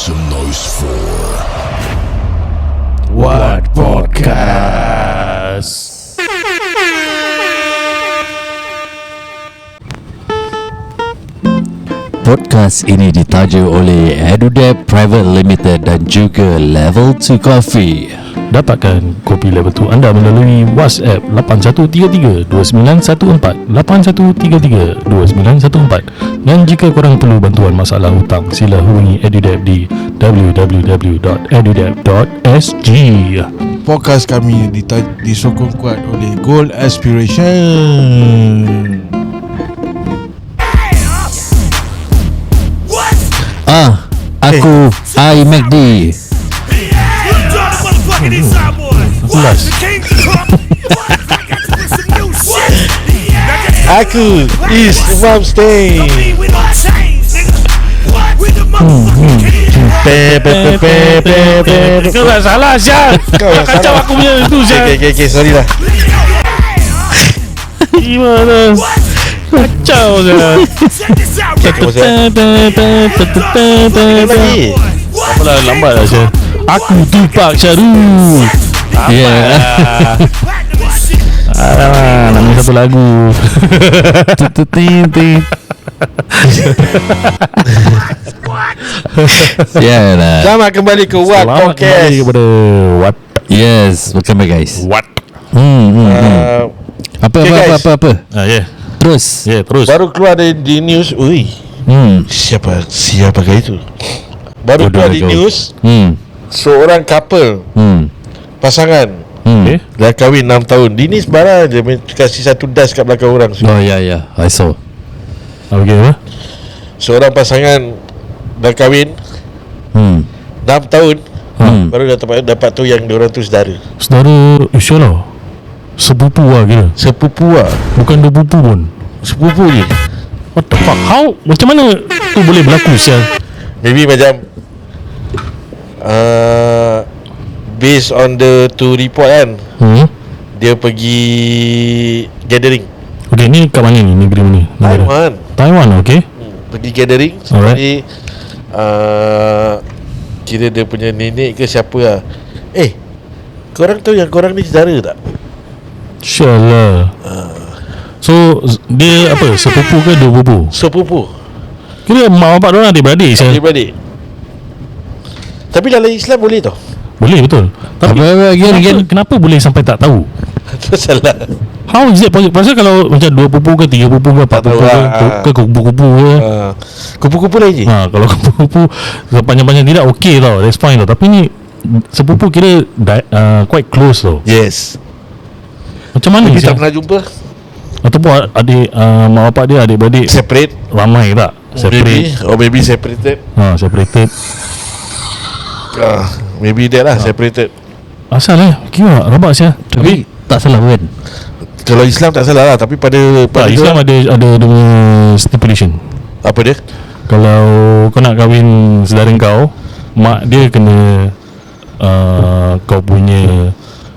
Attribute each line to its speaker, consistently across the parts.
Speaker 1: some noise for
Speaker 2: What Podcast.
Speaker 3: Podcast ini ditaja oleh EduDebt Private Limited dan juga Level 2 Coffee.
Speaker 2: Dapatkan kopi level 2 anda melalui WhatsApp 8133-2914 8133-2914. Dan jika korang perlu bantuan masalah hutang, sila hubungi EduDebt di www.edudebt.sg.
Speaker 4: Podcast kami disokong kuat oleh Gold Aspiration.
Speaker 3: Aku iMacD.
Speaker 2: Jelas.
Speaker 4: Aku is Imam Stay.
Speaker 2: Kau tak salah Syah. Kau kacau aku punya itu Syah.
Speaker 4: Okay, sorry lah.
Speaker 2: Gimana? Kacau Syah.
Speaker 4: Lagi.
Speaker 2: Apalah, lambat lah Syah. Aku Tupac Shahrul. Nama satu lagu.
Speaker 3: Yalah.
Speaker 4: Selamat kembali ke What
Speaker 2: Selamat
Speaker 4: Podcast.
Speaker 2: kembali kepada What.
Speaker 3: Yes, welcome back guys.
Speaker 2: What?
Speaker 3: Apa
Speaker 4: Okay, guys.
Speaker 3: apa. Terus.
Speaker 2: Terus.
Speaker 4: Baru keluar di news. Ui, siapakah itu? Baru
Speaker 3: Bodoh
Speaker 4: keluar di
Speaker 3: kau.
Speaker 4: news. Seorang couple, pasangan
Speaker 2: Okay.
Speaker 4: dah kahwin 6 tahun. Dini sebarang je kasih satu das kat belakang orang.
Speaker 3: Oh ya, I saw.
Speaker 2: Okay, apa?
Speaker 4: Seorang pasangan dah kahwin 6 tahun. Baru dapat tu yang diorang tu saudara.
Speaker 2: Saudara, insyaAllah sepupu lah kira.
Speaker 4: Sepupu lah.
Speaker 2: Bukan dua pupu pun.
Speaker 4: Sepupu je.
Speaker 2: What the fuck? How? Macam mana tu boleh berlaku sial?
Speaker 4: Maybe macam based on the to report kan, dia pergi gathering
Speaker 2: Okay, ni kat mana ni? Negeri mana? Negara Taiwan, okay.
Speaker 4: pergi gathering. Jadi kira dia punya nenek ke siapa lah. Korang tahu yang korang ni saudara tak?
Speaker 2: InsyaAllah. So dia apa? Sepupu ke dua pupu?
Speaker 4: Sepupu,
Speaker 2: Kira mak bapak diorang adik-beradik sial.
Speaker 4: adik-beradik. Tapi dalam Islam boleh tau.
Speaker 2: Boleh, betul. Tapi kenapa boleh sampai tak tahu?
Speaker 4: Itu salah.
Speaker 2: How is it possible? Pasal kalau macam dua pupu ke tiga pupu ke empat
Speaker 4: Tak
Speaker 2: pupu
Speaker 4: tahu
Speaker 2: ke kupu-kupu ke,
Speaker 4: Kupu-kupu lain je.
Speaker 2: kalau kupu-kupu panjang-panjang tidak okay tau, that's fine tau. Tapi ni sepupu kira quite close tau.
Speaker 4: Yes.
Speaker 2: Macam mana
Speaker 4: Tapi tak
Speaker 2: sial?
Speaker 4: pernah jumpa.
Speaker 2: Ataupun adik mak bapak dia adik-beradik
Speaker 4: Separate.
Speaker 2: ramai tak?
Speaker 4: Maybe separated.
Speaker 2: Separated.
Speaker 4: Maybe that lah, separated.
Speaker 2: Asal kira rabak sial.
Speaker 3: Tapi tak salah kan?
Speaker 4: Kalau Islam tak salah lah. Tapi pada
Speaker 2: Islam ada dia punya stipulation.
Speaker 4: apa dia?
Speaker 2: Kalau kau nak kahwin saudara kau, mak dia kena kau punya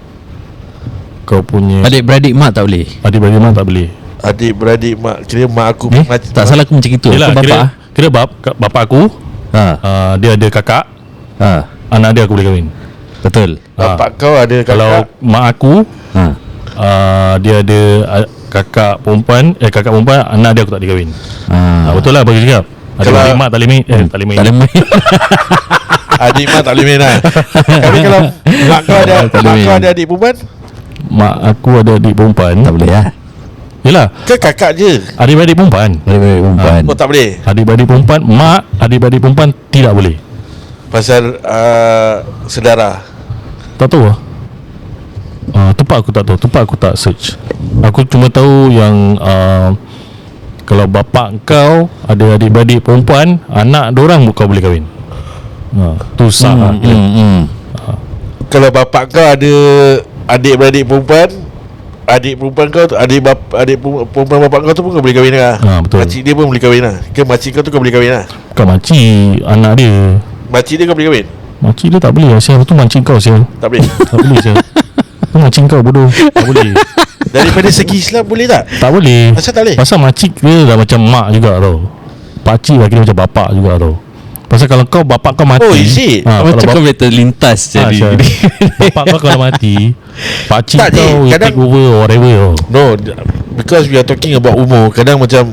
Speaker 3: Adik-beradik mak tak boleh.
Speaker 2: adik-beradik mak tak boleh.
Speaker 4: Adik-beradik mak. Kira mak aku
Speaker 3: Tak salah aku macam itu.
Speaker 2: Yelah,
Speaker 3: Aku bapak.
Speaker 2: kira bapak aku dia ada kakak, anak dia aku boleh kahwin.
Speaker 3: Betul.
Speaker 4: Bapak kau ada kakak.
Speaker 2: Kalau mak aku dia ada kakak perempuan, anak dia aku tak boleh kahwin. Betul lah bagi cakap. Adik mak tak boleh main. Tak boleh main.
Speaker 3: Tak boleh main.
Speaker 4: Adik mak tak boleh main lah. Tapi kalau mak kau ada adik perempuan,
Speaker 2: Mak aku ada adik perempuan.
Speaker 3: Tak boleh lah.
Speaker 2: Yelah,
Speaker 4: ke kakak je?
Speaker 2: adik-beradik perempuan.
Speaker 3: Adik-beradik perempuan.
Speaker 4: Oh tak boleh.
Speaker 2: Adik-beradik perempuan, mak adik-beradik perempuan tidak boleh.
Speaker 4: Pasal sedara.
Speaker 2: Tak tahu lah. Tepat aku tak tahu. Tepat aku tak search. Aku cuma tahu yang kalau bapak kau ada adik-beradik perempuan, anak dorang kau boleh kahwin. Tu sah lah kira.
Speaker 4: Kalau bapak kau ada adik-beradik perempuan, adik perempuan kau tu, adik perempuan bapak kau tu pun kau boleh kahwin lah.
Speaker 2: Betul.
Speaker 4: Makcik dia pun boleh kahwin lah. Ke makcik kau tu kau boleh kahwin lah.
Speaker 2: Bukan makcik, anak dia.
Speaker 4: Makcik dia kau boleh kahwin?
Speaker 2: Makcik dia tak boleh lah sial. Tu makcik kau sial.
Speaker 4: Tak boleh.
Speaker 2: Tak boleh sial. Tu makcik kau bodoh. Tak boleh.
Speaker 4: Daripada segi Islam boleh tak?
Speaker 2: Tak boleh.
Speaker 4: Pasal tak boleh?
Speaker 2: Pasal makcik dia dah macam mak juga tau. Pakcik lah kira macam bapak juga tau. Pasal kalau kau bapak kau mati,
Speaker 4: Oh, is it?
Speaker 3: Macam
Speaker 2: kalau
Speaker 3: kau boleh terlintas
Speaker 2: Ah,
Speaker 3: jadi.
Speaker 2: bapak kau kalau mati, pakcik
Speaker 4: Tak,
Speaker 2: kau will
Speaker 4: kadang-
Speaker 2: take over or whatever.
Speaker 4: No, because we are talking about umur. Kadang macam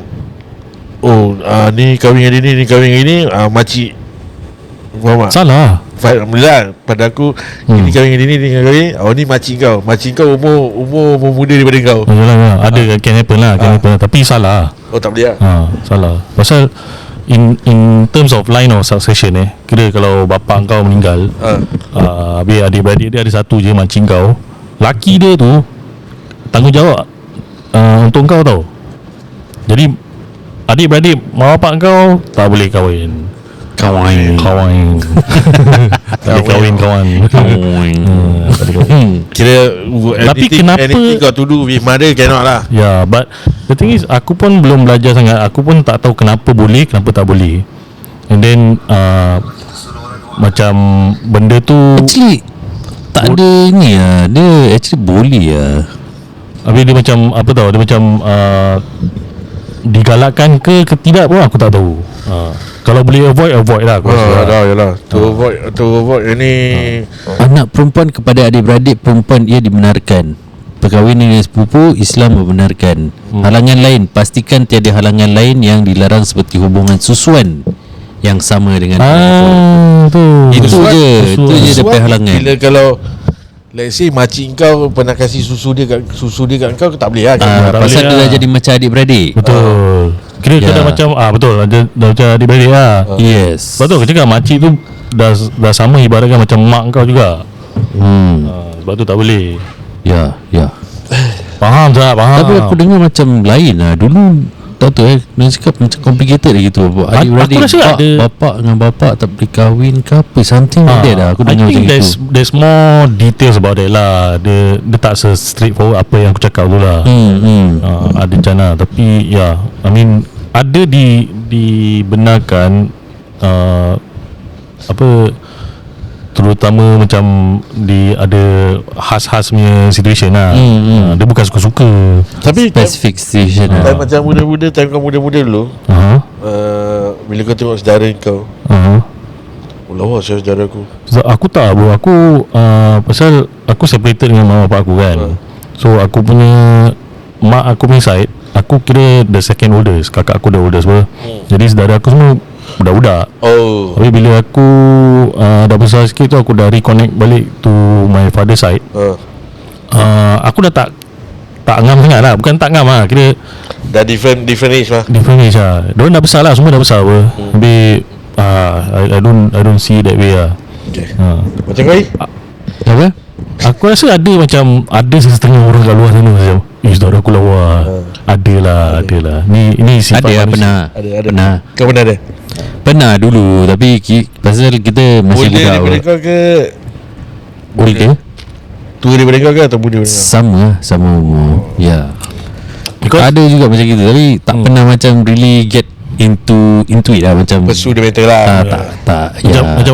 Speaker 4: ni kahwin hari ni kahwin hari ni, makcik faham tak?
Speaker 2: Salah.
Speaker 4: Alhamdulillah pada aku ini kahwin hari ni kahwin. Ni makcik kau. Makcik kau umur muda daripada kau.
Speaker 2: Yalah, ada can happen lah, can happen lah. Tapi salah.
Speaker 4: Oh tak boleh lah.
Speaker 2: Salah. Pasal in terms of line of succession kira kalau bapak kau meninggal, habis adik-beradik dia ada satu je makcik kau, laki dia tu tanggungjawab untuk kau tau. Jadi adik-beradik mak bapak kau tak boleh kahwin. Kawan tak boleh kahwin kawan.
Speaker 4: Kira
Speaker 2: Tapi kenapa-
Speaker 4: anything got to do with mother cannot lah.
Speaker 2: Ya, but the thing is aku pun belum belajar sangat. Aku pun tak tahu kenapa boleh, kenapa tak boleh. And then macam benda tu
Speaker 3: Actually tak ada ni lah. Dia actually boleh lah.
Speaker 2: habis dia macam apa tau, dia macam digalakkan ke tidak pun aku tak tahu. Kalau boleh avoid lah aku rasa.
Speaker 4: Yalah. To avoid ini
Speaker 3: Anak perempuan kepada adik-beradik perempuan ia dibenarkan. Perkahwinan dengan sepupu Islam membenarkan. Halangan lain, pastikan tiada halangan lain yang dilarang seperti hubungan susuan yang sama dengan
Speaker 2: Tu.
Speaker 3: Itu
Speaker 2: Susuan.
Speaker 3: je. Itu je dia punya halangan.
Speaker 4: Bila kalau let's say makcik kau pernah kasih susu dia kat kau tak boleh lah.
Speaker 2: tak
Speaker 3: Pasal
Speaker 2: boleh
Speaker 3: dia
Speaker 2: lah.
Speaker 3: dah jadi macam adik-beradik.
Speaker 2: Betul. Kira
Speaker 3: Ya.
Speaker 2: dah macam betul dah macam adik-beradik lah.
Speaker 3: Yes.
Speaker 2: Betul aku cakap makcik tu dah sama ibaratkan macam mak kau juga. Sebab tu tak boleh.
Speaker 3: Ya.
Speaker 2: Faham tak? Faham.
Speaker 3: Tapi aku dengar macam lain lah. Dulu tak tahu dia cakap macam complicated gitu. Adik-beradik
Speaker 2: aku rasa ada-
Speaker 3: bapak dengan bapak tak boleh kahwin ke apa. Something like that lah. Aku
Speaker 2: I
Speaker 3: dengar macam
Speaker 2: think
Speaker 3: itu.
Speaker 2: there's more details about that lah. Dia tak straightforward apa yang aku cakap tu lah. Ada macam tapi ya, I mean ada dibenarkan apa, terutama macam ada khas-khas punya situation lah. Dia bukan suka-suka.
Speaker 4: Tapi
Speaker 3: Specific situation
Speaker 4: time
Speaker 3: lah.
Speaker 4: macam muda-muda, time kau muda-muda dulu, bila kau tengok saudara kau, lawa saudara aku.
Speaker 2: So, aku tak bro. Aku pasal aku separated dengan mak bapak aku kan. So aku punya mak aku punya side, aku kira the second oldest. Kakak aku the oldest ber. Jadi saudara aku semua budak-budak.
Speaker 4: Oh.
Speaker 2: Tapi bila aku dah besar sikit tu, aku dah reconnect balik to my father side. Aku dah tak ngam sangat lah. Bukan tak ngam lah, kira
Speaker 4: Dah different age lah.
Speaker 2: different age lah. Diorang dah besar lah, semua dah besar apa. Tapi I don't see that way lah.
Speaker 4: Okay. Macam kau ni?
Speaker 3: Apa?
Speaker 2: Aku rasa ada setengah orang kat luar sana macam saudara aku lawa. Adalah. Ni sifat
Speaker 3: Ada lah,
Speaker 2: manusia.
Speaker 3: pernah.
Speaker 4: Ada.
Speaker 3: Pernah.
Speaker 4: Kau pernah ada?
Speaker 3: Pernah dulu. Tapi pasal kita masih
Speaker 4: Older
Speaker 3: budak
Speaker 4: daripada
Speaker 3: apa.
Speaker 4: kau ke?
Speaker 3: Older?
Speaker 4: Tua daripada kau ke atau muda daripada kau?
Speaker 3: Sama umur. Ya.
Speaker 2: Because
Speaker 3: Ada juga macam gitu. Tapi tak pernah macam really get into it lah. Macam
Speaker 4: Pursue the matter lah.
Speaker 3: tak.
Speaker 2: macam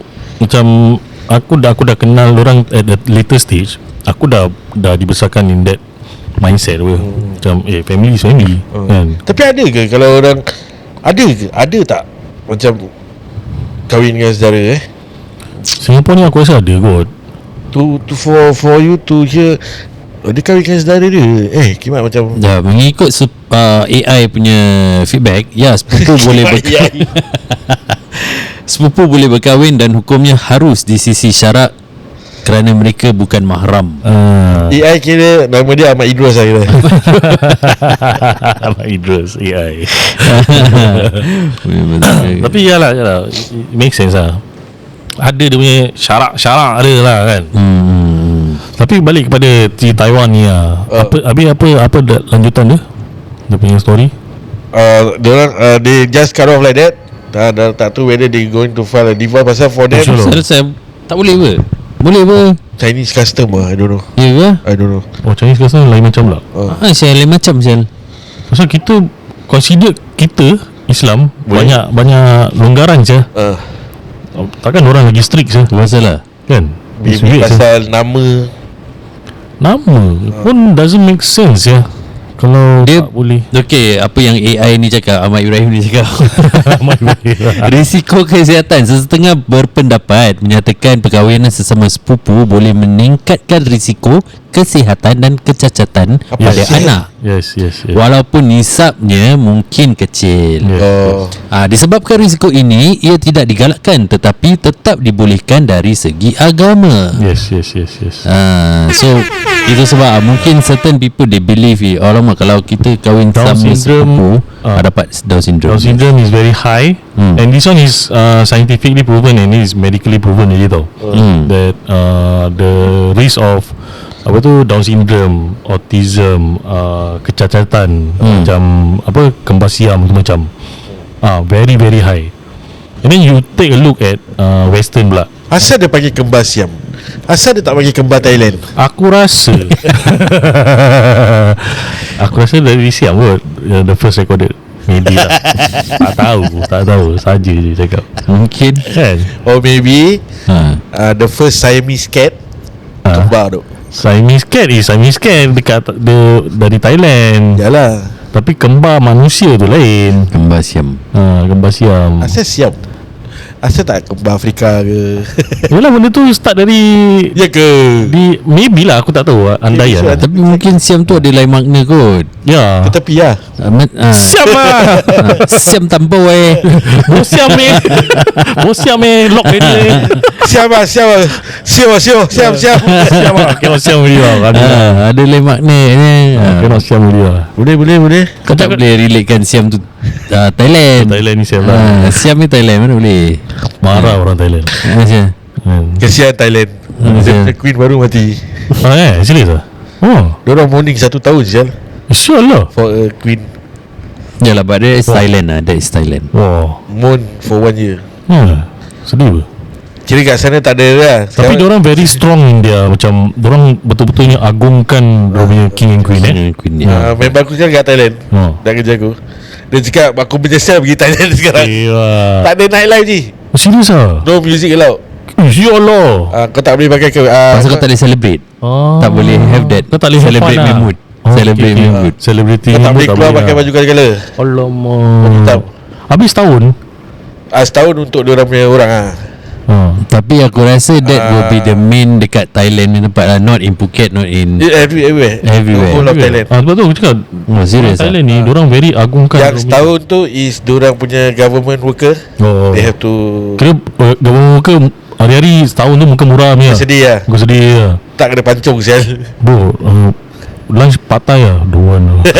Speaker 2: aku dah kenal orang at the later stage. Aku dah dibesarkan in that mindset apa. Macam family is family kan.
Speaker 4: Tapi ada ke kalau orang ada tak macam kahwin dengan saudara
Speaker 2: Singapore ni aku rasa ada kot.
Speaker 4: to for you to hear dia kahwin dengan saudara dia kimak macam
Speaker 3: Ya, mengikut AI punya feedback, ya, sepupu boleh sepupu boleh berkahwin dan hukumnya harus di sisi syarak kerana mereka bukan mahram.
Speaker 4: AI kira nama dia Ahmad Idrus lah kira.
Speaker 2: Ahmad Idrus AI. Tapi yalah it makes sense lah. Ada dia punya syarak ada lah kan. Tapi balik kepada si Taiwan ni lah. Apa lanjutan dia? Dia punya story.
Speaker 4: They just cut off like that. Tak tahu whether they going to file a divorce pasal for them
Speaker 2: Sure.
Speaker 3: Saya tak boleh apa? Boleh apa?
Speaker 4: Chinese custom I don't know.
Speaker 3: Ya ke?
Speaker 4: I don't know.
Speaker 2: Oh, Chinese customer lain macam pula.
Speaker 3: Saya lain macam sel.
Speaker 2: Pasal kita consider kita Islam banyak longgaran je. Takkan orang lagi strict je
Speaker 3: Masalah.
Speaker 2: kan?
Speaker 4: Maybe pasal nama
Speaker 2: Nama pun doesn't make sense ya. Kalau
Speaker 3: Dia
Speaker 2: tak boleh.
Speaker 3: Okey, apa yang AI ni cakap, Ahmad Ibrahim ni cakap. Risiko kesihatan. Sesetengah berpendapat menyatakan perkahwinan sesama sepupu boleh meningkatkan risiko kesihatan dan kecacatan pada anak.
Speaker 2: Yes.
Speaker 3: Walaupun nisabnya mungkin kecil. Disebabkan risiko ini, ia tidak digalakkan tetapi tetap dibolehkan dari segi agama.
Speaker 2: Yes.
Speaker 3: So itu sebab mungkin certain people they believe alamak kalau kita kahwin
Speaker 2: Down
Speaker 3: sama
Speaker 2: syndrome,
Speaker 3: sepupu dapat Down syndrome.
Speaker 2: Down syndrome is very high, and this one is scientifically proven and it is medically proven lagi tau. That the risk of apa tu Down syndrome, autism, kecacatan macam apa kembar siam macam very very high. And then you take a look at Western pula.
Speaker 4: Asal dia panggil kembar Siam? Asal dia tak panggil kembar Thailand?
Speaker 2: Aku rasa dari Siam kot, the first recorded. Maybe lah. Tak tahu saja je cakap.
Speaker 3: Mungkin
Speaker 2: Kan?
Speaker 4: Or maybe the first Siamese cat kembar tu.
Speaker 2: Siamese cat dekat dari Thailand.
Speaker 4: Yalah.
Speaker 2: Tapi kembar manusia tu lain.
Speaker 3: kembar Siam.
Speaker 2: Kembar siam.
Speaker 4: Asal Siam? Asal tak kembar Afrika ke?
Speaker 2: Yalah, benda tu start dari
Speaker 4: Ya ke?
Speaker 2: maybe lah, aku tak tahu andaian.
Speaker 4: Maybe,
Speaker 3: Tapi mungkin Siam tu ada lain makna kot.
Speaker 2: Ya.
Speaker 4: Ke tepi lah.
Speaker 2: Siam lah.
Speaker 3: Siam tanpa
Speaker 2: Bosiam lock dia.
Speaker 4: Siam lah. Siam
Speaker 2: Kena siam dia lah.
Speaker 3: ada lain makna ni.
Speaker 2: Kena siam dia.
Speaker 4: Boleh.
Speaker 3: Kau tak boleh relatekan Siam tu Thailand.
Speaker 2: Thailand ni siam lah.
Speaker 3: Siam ni Thailand mana boleh.
Speaker 2: Marah orang Thailand.
Speaker 3: Macam
Speaker 4: Kesian Thailand. The Queen baru mati.
Speaker 2: Serius lah.
Speaker 4: Diorang mourning 1 tahun sial
Speaker 2: Sure lah.
Speaker 4: for a queen.
Speaker 3: yalah, but that is Thailand lah. That is Thailand.
Speaker 2: Wah.
Speaker 4: Mourn for 1 year.
Speaker 2: Sedih.
Speaker 4: Kira kat sana tak ada lah.
Speaker 2: Tapi diorang very strong in dia. Macam diorang betul-betulnya agungkan diorang punya king and queen
Speaker 3: Queen ni.
Speaker 4: member aku sekarang kat Thailand. Dah kerja aku. Dia cakap aku menyesal pergi Thailand sekarang. Tak ada nightlife je.
Speaker 2: Serius lah.
Speaker 4: No music allowed.
Speaker 2: Ya Allah.
Speaker 4: Kau tak boleh pakai
Speaker 3: Pasal kau tak boleh celebrate. Tak boleh have that.
Speaker 2: Kau tak boleh
Speaker 3: celebrate
Speaker 2: have fun
Speaker 3: me
Speaker 2: lah.
Speaker 3: mood. Celebrate me mood.
Speaker 2: Celebrity
Speaker 4: Kau tak boleh keluar pakai baju colour-colour.
Speaker 2: Alamak.
Speaker 4: Hitam.
Speaker 2: Habis tahun.
Speaker 4: Setahun untuk diorang punya orang
Speaker 3: Tapi aku rasa that will be the main dekat Thailand ni tempat lah. Not in Phuket, not in
Speaker 4: Everywhere.
Speaker 3: Everywhere.
Speaker 4: Whole of Thailand.
Speaker 2: Sebab tu aku cakap
Speaker 3: serious
Speaker 2: Thailand ni diorang very agungkan.
Speaker 4: Yang setahun tu is diorang punya government worker. They have to
Speaker 2: Kira government worker hari-hari setahun tu muka murah ni lah.
Speaker 4: sedih lah.
Speaker 2: Muka sedih lah.
Speaker 4: Tak kena pancung sial.
Speaker 2: Bro, lunch patai lah. Don't want lah.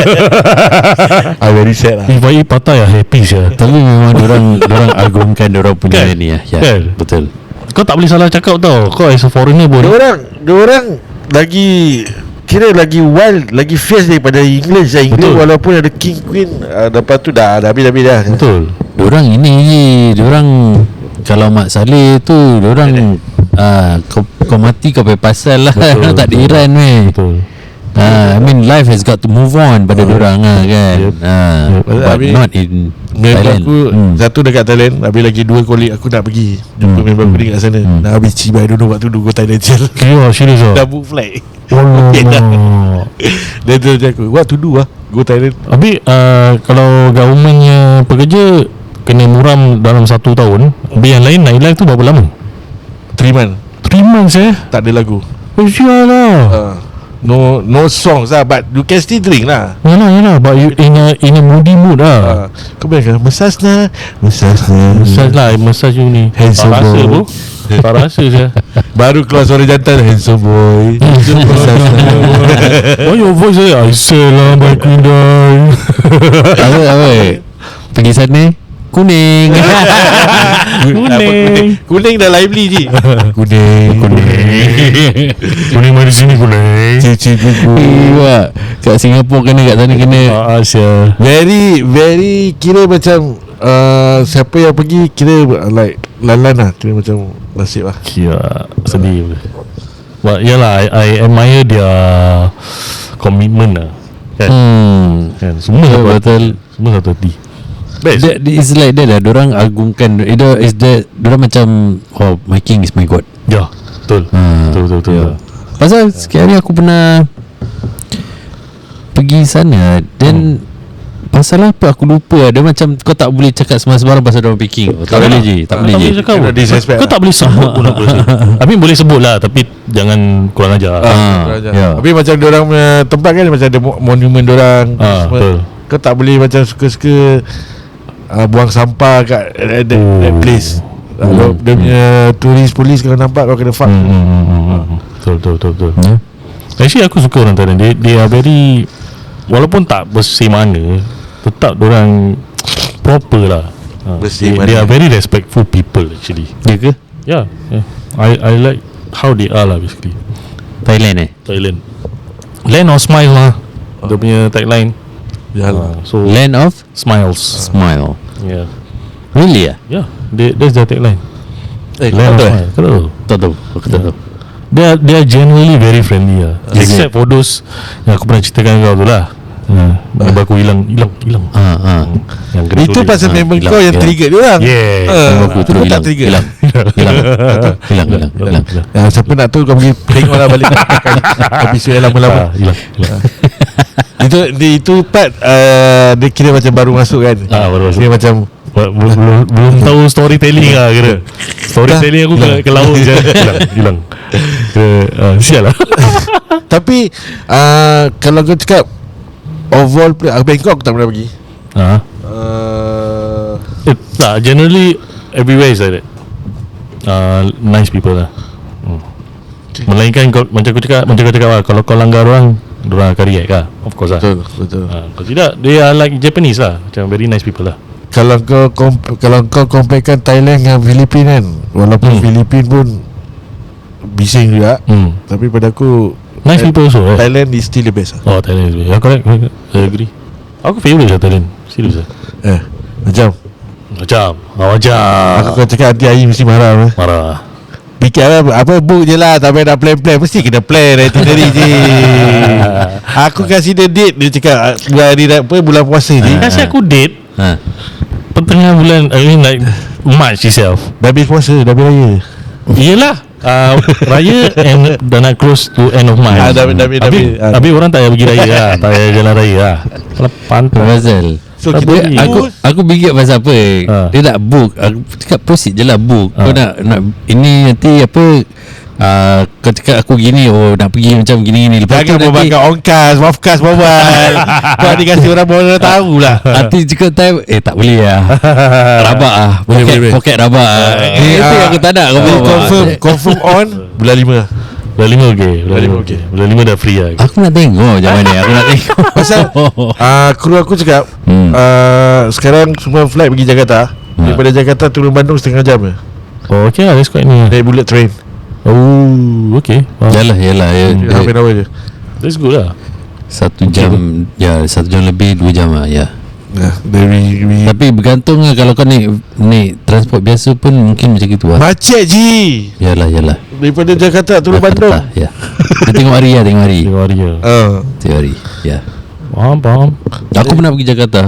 Speaker 4: I very sad lah.
Speaker 2: If I eat patai lah, happy saya.
Speaker 3: Tapi memang orang agungkan orang punya ni lah. Ya,
Speaker 2: Kan?
Speaker 3: betul.
Speaker 2: Kau tak boleh salah cakap tau. Kau as a foreigner pun
Speaker 4: Diorang lagi kira lagi wild, lagi fierce daripada England. England walaupun ada king queen, lepas tu dah habis dah.
Speaker 2: betul.
Speaker 3: Diorang ini je. Diorang kalau Mak Saleh tu diorang kau mati kau payah pasal lah.
Speaker 2: Betul,
Speaker 3: Tak ada
Speaker 2: betul.
Speaker 3: Iran weh.
Speaker 2: Betul.
Speaker 3: I mean life has got to move on pada diorang lah kan. But
Speaker 4: Habis
Speaker 3: not in
Speaker 4: member
Speaker 3: Thailand.
Speaker 4: aku satu dekat Thailand. Habis lagi 2 kolik aku nak pergi jumpa member aku dekat sana. Dah habis cibai dulu waktu dulu go Thailand sial.
Speaker 2: Kira serius lah.
Speaker 4: Dah book flight.
Speaker 2: Alamak.
Speaker 4: Dia tu aku, what to do go Thailand.
Speaker 2: Habis kalau governmentnya pekerja kena muram dalam 1 tahun. Habis yang lain nightlife tu berapa lama?
Speaker 4: 3 months
Speaker 2: 3 months
Speaker 4: tak ada lagu.
Speaker 2: Sial lah.
Speaker 4: No songs lah, but you can still drink lah.
Speaker 2: Yalah but you in a moody mood lah.
Speaker 4: Kau bayangkan massage lah.
Speaker 2: Massage lah. Massage you ni tak
Speaker 4: Handsome
Speaker 2: rasa
Speaker 4: boy.
Speaker 2: bro. Tak rasa saya.
Speaker 4: Baru keluar suara jantan, handsome boy. Massage lah.
Speaker 2: Why your voice saya I say lah my queen die.
Speaker 3: Apa pergi sana kuning.
Speaker 4: Kuning dah lively je. Kuning
Speaker 2: Kuning mari sini kuning.
Speaker 4: Cici gugu.
Speaker 3: Iya, kat Singapura kena, kat sana kena.
Speaker 2: Asia.
Speaker 4: Very kira macam siapa yang pergi kira like lan-lan lah. Kira macam nasib lah.
Speaker 2: Kira sedih. But yalah I admire their commitment lah. Kan semua
Speaker 3: Ya, betul.
Speaker 2: Semua satu hati.
Speaker 4: Best.
Speaker 3: It's like that lah. Diorang agungkan. Is that diorang macam my king is my god.
Speaker 2: Ya, betul. Betul.
Speaker 3: Pasal sekali hari aku pernah pergi sana. Dan pasal apa aku lupa. Dia macam kau tak boleh cakap sembarang pasal orang picking. Tak boleh je. Tak boleh je.
Speaker 2: cakap
Speaker 4: Kena disrespect
Speaker 2: Kau tak boleh sebut pun apa sih. Tapi boleh sebut lah, tapi jangan kurang ajar.
Speaker 3: ya.
Speaker 4: Tapi macam diorang punya tempat kan macam ada monumen diorang semua.
Speaker 2: betul.
Speaker 4: Kau tak boleh macam suka-suka buang sampah kat that place. Kalau dia punya turis polis kalau nampak kau kena fuck.
Speaker 2: Betul. Actually aku suka orang Thailand. They are very, walaupun tak bersih mana, tetap orang proper lah.
Speaker 4: Bersih
Speaker 2: They
Speaker 4: mana.
Speaker 2: are very respectful people actually.
Speaker 3: Ya ke?
Speaker 2: Yeah. I like how they are lah basically.
Speaker 3: Thailand
Speaker 2: Thailand, land of smile lah. Dia punya tagline.
Speaker 4: Yalah.
Speaker 2: So
Speaker 3: Land of
Speaker 2: smiles.
Speaker 3: Smile.
Speaker 2: Yeah.
Speaker 3: Really ya?
Speaker 2: Yeah. That's their tagline.
Speaker 4: Kau
Speaker 2: Land of
Speaker 4: tahu
Speaker 2: smile. Kau tahu?
Speaker 3: Tak tahu. Aku tak tahu.
Speaker 2: They are generally very friendly lah.
Speaker 3: Is
Speaker 2: Except for those yang aku pernah ceritakan kau tu lah. Member aku hilang. Yang gerak
Speaker 4: Itu
Speaker 2: tu
Speaker 4: pasal member
Speaker 3: hilang,
Speaker 4: kau yang
Speaker 3: hilang.
Speaker 4: trigger dia orang.
Speaker 2: Yeah.
Speaker 3: Member aku
Speaker 4: Aku
Speaker 3: terus
Speaker 4: tak
Speaker 3: hilang.
Speaker 4: trigger.
Speaker 3: Hilang.
Speaker 4: Siapa nak tahu kau pergi tengok lah balik episod yang lama-lama.
Speaker 2: Hilang.
Speaker 4: Itu part dia kira macam baru masuk kan.
Speaker 2: Baru masuk.
Speaker 4: Dia macam
Speaker 2: Belum tahu storytelling lah kira. Storytelling aku ke laut je. Hilang. Sial lah.
Speaker 4: tapi kalau kau cakap overall Bangkok aku tak pernah pergi.
Speaker 2: Tak, generally everywhere is like that. Nice people lah. Melainkan kau, macam kau cakap lah, kalau kau langgar orang akan react lah. Of course lah.
Speaker 4: Betul.
Speaker 2: Kalau tidak, they are like Japanese lah. Macam very nice people lah.
Speaker 4: Kalau kau comparekan Thailand dengan Filipina kan, walaupun Filipina pun bising juga, tapi pada aku
Speaker 2: Nice people also, right?
Speaker 4: Thailand is still the best lah.
Speaker 2: Oh, Thailand is correct. I agree. Aku favourite lah Thailand. Serius lah.
Speaker 4: Macam aku kau cakap nanti Ayi mesti marah.
Speaker 2: Marah.
Speaker 4: Fikir apa book je lah. Tak payah nak plan. Mesti kena plan itinerary je. Aku kasih dia date. Dia cakap bulan puasa je.
Speaker 2: Kasih aku date pertengahan bulan, I mean like March itself.
Speaker 4: Dah habis puasa. Dah habis raya.
Speaker 2: Yelah, raya and dah nak close to end of March. Habis orang tak payah pergi raya lah. Tak payah jalan raya lah. Kalau pantas
Speaker 3: Pasal
Speaker 4: So
Speaker 2: Tapi
Speaker 4: kita
Speaker 3: Aku bingit pasal apa. Dia nak book. Aku cakap proceed je lah book. Kau nak ini nanti apa, kau cakap aku gini, nak pergi macam gini. Lepas tu
Speaker 4: jangan
Speaker 3: nanti
Speaker 4: berbangga onkas, mafkas bawal. Kau dikasih orang baru tahu lah.
Speaker 3: nanti cakap time tak boleh lah. Rabak lah.
Speaker 4: Boleh.
Speaker 3: Poket rabak lah. Itu yang aku tak nak. Kau
Speaker 4: Jadi
Speaker 3: bawa.
Speaker 4: confirm on bulan 5.
Speaker 2: Bulan 5 okey. Bulan 5 dah free lah.
Speaker 3: Aku nak tengok macam mana. Aku nak tengok.
Speaker 4: Pasal kru aku cakap sekarang semua flight pergi Jakarta. Daripada Jakarta turun Bandung setengah jam je.
Speaker 2: Oh okay lah, that's quite near.
Speaker 4: Naik bullet train.
Speaker 2: Oh okay.
Speaker 3: Yalah.
Speaker 4: Half an hour je.
Speaker 2: That's good lah.
Speaker 3: 1 jam. Ya 1 jam lebih 2 jam lah. Ya.
Speaker 4: Dari
Speaker 3: Tapi bergantung lah. Kalau kau naik transport biasa pun mungkin macam gitu lah.
Speaker 4: macet je.
Speaker 3: Yalah.
Speaker 4: Daripada Jakarta turun Bandung.
Speaker 3: Ya. Kita tengok hari lah. Tengok hari.
Speaker 2: Tengok hari je.
Speaker 3: Tengok hari. Ya.
Speaker 2: Faham.
Speaker 3: Aku pernah pergi Jakarta.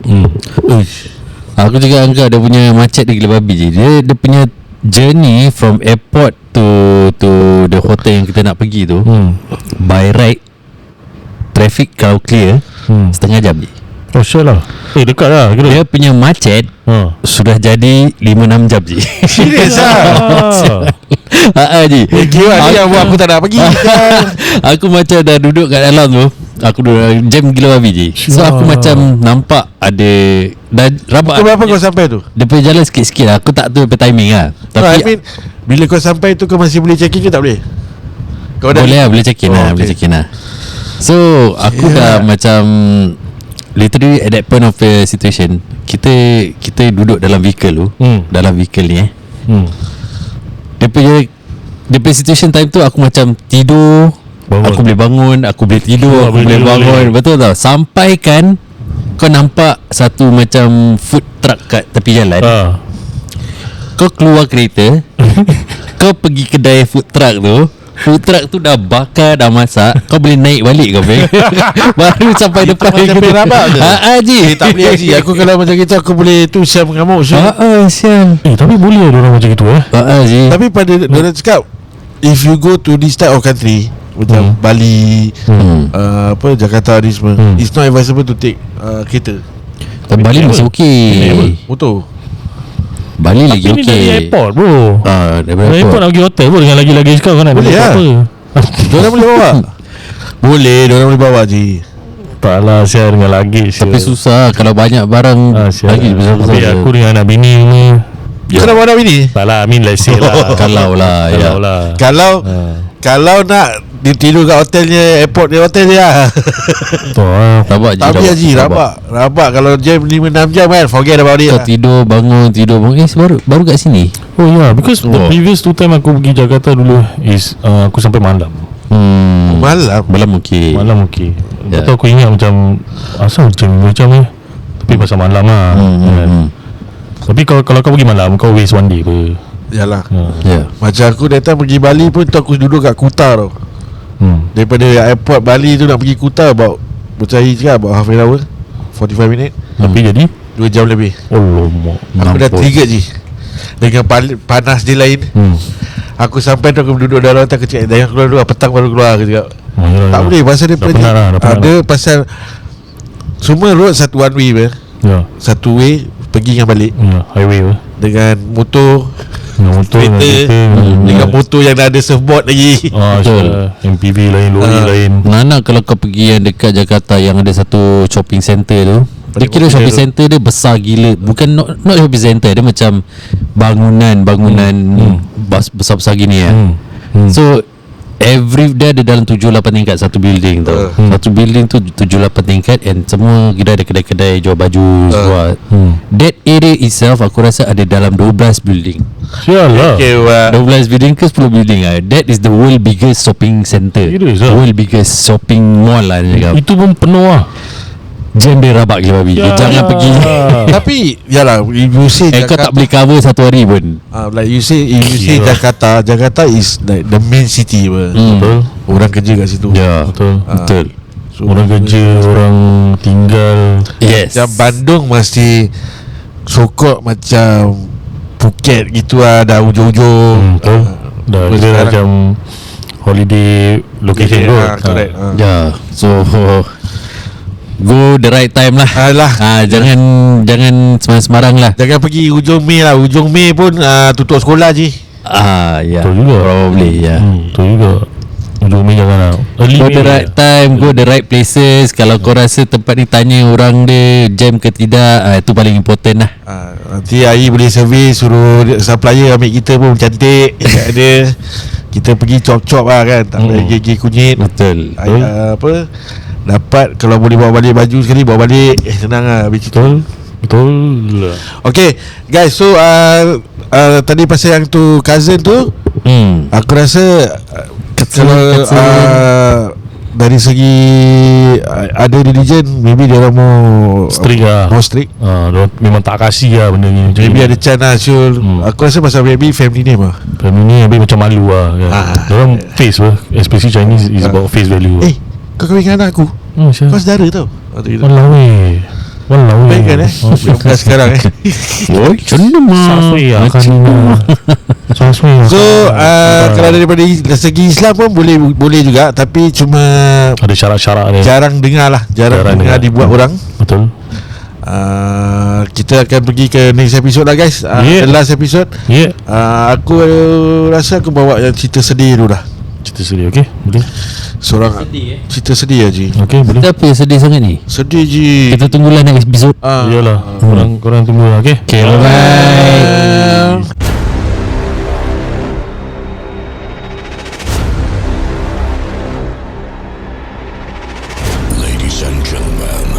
Speaker 3: Aku cakap angkat dia punya macet dia gila babi je. Dia punya journey from airport to the hotel yang kita nak pergi tu, by right, traffic kalau clear, setengah jam je.
Speaker 2: Oh sure lah. Dekat lah kira.
Speaker 3: Dia punya macet sudah jadi 5-6 jam je.
Speaker 4: Serius lah.
Speaker 3: Je.
Speaker 4: Kira ni yang buat aku tak nak pergi.
Speaker 3: Aku macam dah duduk kat dalam tu, aku duduk jam gila babi je. So aku macam nampak ada dah rabak.
Speaker 4: Pukul berapa kau sampai tu?
Speaker 3: Dia punya jalan sikit-sikit lah. Aku tak tahu apa timing lah. Tapi
Speaker 4: I mean, bila kau sampai tu kau masih boleh check in ke tak boleh? Kau dah
Speaker 3: boleh lah, boleh check in lah,
Speaker 4: okay.
Speaker 3: boleh check in lah. So aku dah macam literally at that point of the situation, kita duduk dalam vehicle tu, dalam vehicle ni Dia punya situation time tu aku macam tidur, aku boleh bangun, aku boleh tidur, aku boleh bangun. Betul tau. Sampai kan kau nampak satu macam food truck kat tepi jalan. Kau keluar kereta, kau pergi kedai food truck tu dah bakar, dah masak. Kau boleh naik balik kau baru sampai depan
Speaker 4: macam
Speaker 3: kita.
Speaker 4: rabak je.
Speaker 3: Ji.
Speaker 4: tak boleh Haji. Aku kalau macam gitu aku boleh tu siap mengamuk.
Speaker 3: Sial.
Speaker 2: Tapi boleh ada orang macam gitu
Speaker 3: Ji.
Speaker 4: Tapi pada diorang cakap, if you go to this type of country, macam Bali, Jakarta ni semua. It's not advisable to take kereta.
Speaker 3: Tapi Bali masih okey.
Speaker 4: Motor.
Speaker 3: Bali lagi
Speaker 2: Tapi ni dari
Speaker 3: okey.
Speaker 2: airport bro.
Speaker 3: Daripada
Speaker 2: Dari airport nak pergi hotel bro, dengan lagi kau kan nak
Speaker 4: Boleh
Speaker 2: buat
Speaker 4: lah.
Speaker 2: apa?
Speaker 4: Diorang boleh bawa. Boleh, diorang boleh bawa je.
Speaker 2: Tak lah, share dengan lagi.
Speaker 3: Tapi susah kalau banyak barang lagi besar-besar.
Speaker 2: Tapi aku dengan anak bini ni.
Speaker 4: Kau nak bawa anak bini?
Speaker 2: Tak lah, I mean let's say lah.
Speaker 3: Kalau lah, ya.
Speaker 2: Kalau lah.
Speaker 4: Kalau nak tidur kat hotelnya, airport dia hotel dia.
Speaker 2: Betul lah.
Speaker 3: Rabak je.
Speaker 4: Tapi Haji, rabak kalau jam 5-6 jam kan, forget about it
Speaker 3: Kau
Speaker 4: lah.
Speaker 3: tidur bangun. Baru kat sini.
Speaker 2: Oh yeah, because the previous 2 time aku pergi Jakarta dulu is aku sampai malam.
Speaker 4: Malam
Speaker 3: okey.
Speaker 2: Malam okey.
Speaker 3: Ya.
Speaker 2: Betul aku ingat macam asal macam ni. Tapi pasal malam lah. Kan? Tapi kalau kau pergi malam, kau waste one day apa.
Speaker 4: Yalah.
Speaker 3: Ya.
Speaker 4: Macam aku datang pergi Bali pun tu aku duduk kat Kuta tau. Daripada airport Bali tu nak pergi Kuta about half an hour, 45 minit,
Speaker 2: Tapi jadi
Speaker 4: 2 jam lebih.
Speaker 2: Allah
Speaker 4: Aku dah trigger je. Dengan panas dia lain. Aku sampai tu aku duduk dalam hotel. Aku cakap jangan keluar dulu, petang baru keluar. Aku cakap tak boleh pasal dia
Speaker 2: Dah penat lah, dah penat
Speaker 4: ada pasal semua road satu one way ber.
Speaker 2: Ya.
Speaker 4: Satu way pergi dengan balik.
Speaker 2: Ya, highway apa?
Speaker 4: Dengan motor,
Speaker 2: Dengan motor dengan
Speaker 4: kereta, dengan motor yang dah ada surfboard lagi.
Speaker 3: Betul.
Speaker 2: MPV lain, lori lain.
Speaker 3: Nana kalau kau pergi yang dekat Jakarta yang ada satu shopping center tu, dia kira shopping center dia besar gila. Bukan not shopping center, dia macam bangunan besar-besar gini ya. So every dia ada dalam 7-8 tingkat satu building tau. Satu building tu 7-8 tingkat, and semua kira ada kedai-kedai jual baju semua. That area itself aku rasa ada dalam 12 building.
Speaker 2: Sialah.
Speaker 4: Okay,
Speaker 3: 12 building ke 10 building lah. That is the world biggest shopping center.
Speaker 2: Serious lah?
Speaker 3: World biggest shopping mall lah dia cakap.
Speaker 2: Itu pun penuh lah.
Speaker 3: Jam dia rabak gila babi.
Speaker 2: Ya.
Speaker 3: Jangan pergi.
Speaker 4: Tapi yalah, if you say
Speaker 3: Kau tak boleh cover satu hari pun.
Speaker 4: like you say, if you say Jakarta is like the main city ber.
Speaker 2: Betul.
Speaker 4: Orang kerja kat situ.
Speaker 3: Ya.
Speaker 2: Betul.
Speaker 3: Betul.
Speaker 4: So,
Speaker 2: Orang kerja, orang tinggal.
Speaker 3: Yes.
Speaker 4: macam Bandung masih sokok macam Phuket gitu lah, dah ujung-ujung.
Speaker 2: Betul. Dah
Speaker 4: Terus
Speaker 2: dia
Speaker 4: sekarang-
Speaker 2: macam holiday location tu.
Speaker 4: Correct.
Speaker 3: Ya. So go the right time lah.
Speaker 4: Alah,
Speaker 3: Jangan sembarang lah.
Speaker 4: jangan pergi ujung Mei lah. Ujung Mei pun tutup sekolah je.
Speaker 3: Ya.
Speaker 2: Betul juga.
Speaker 3: Probably ya.
Speaker 2: Betul juga. Ujung Mei jangan lah. Early
Speaker 3: Go
Speaker 2: Mei
Speaker 3: the right time, go the right places. Kalau kau rasa tempat ni tanya orang dia jam ke tidak, itu paling important lah.
Speaker 4: Nanti Ayi boleh survey, suruh supplier ambil kita pun cantik. Ada kita pergi chop-chop lah kan, tak payah gigi kunyit.
Speaker 3: Betul.
Speaker 4: Apa, dapat kalau boleh bawa balik baju sekali, bawa balik, senang lah habis itu.
Speaker 2: Betul.
Speaker 4: Okay guys, so tadi pasal yang tu cousin tu, aku rasa kalau dari segi ada religion, maybe dia orang mau
Speaker 2: Strict lah.
Speaker 4: more strict.
Speaker 2: Diorang memang tak kasih lah benda ni.
Speaker 4: Maybe ada chance lah Syul. Aku rasa pasal maybe family name lah.
Speaker 2: Family ni habis macam malu lah kan. Diorang face lah. Especially Chinese is about face value.
Speaker 4: Kau kahwin dengan anak aku, kau saudara tau.
Speaker 2: Walau weh.
Speaker 4: Baik kan bukan sekarang
Speaker 3: Oh,
Speaker 2: Sasui lah kan. Sasui lah.
Speaker 4: So kalau daripada segi Islam pun boleh juga, tapi cuma
Speaker 2: ada syarat-syarat dia.
Speaker 4: jarang dengar lah. Jarang dengar dibuat orang.
Speaker 2: Betul.
Speaker 4: Kita akan pergi ke next episode lah guys.
Speaker 2: Yeah.
Speaker 4: The last episode.
Speaker 2: Ya.
Speaker 4: Aku rasa aku bawa yang cerita sedih dulu dah.
Speaker 2: Cerita sedih, okey? Boleh?
Speaker 4: Seorang cerita sedih je.
Speaker 2: Okey, boleh.
Speaker 3: Kenapa sedih sangat ni?
Speaker 4: Sedih je.
Speaker 3: Kita tunggulah next episode.
Speaker 2: Iyalah. Korang tunggu lah, okey?
Speaker 3: Okay, bye-bye.
Speaker 1: Ladies and gentlemen,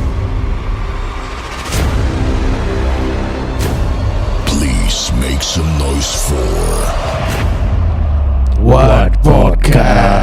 Speaker 1: please make some noise for
Speaker 4: What podcast?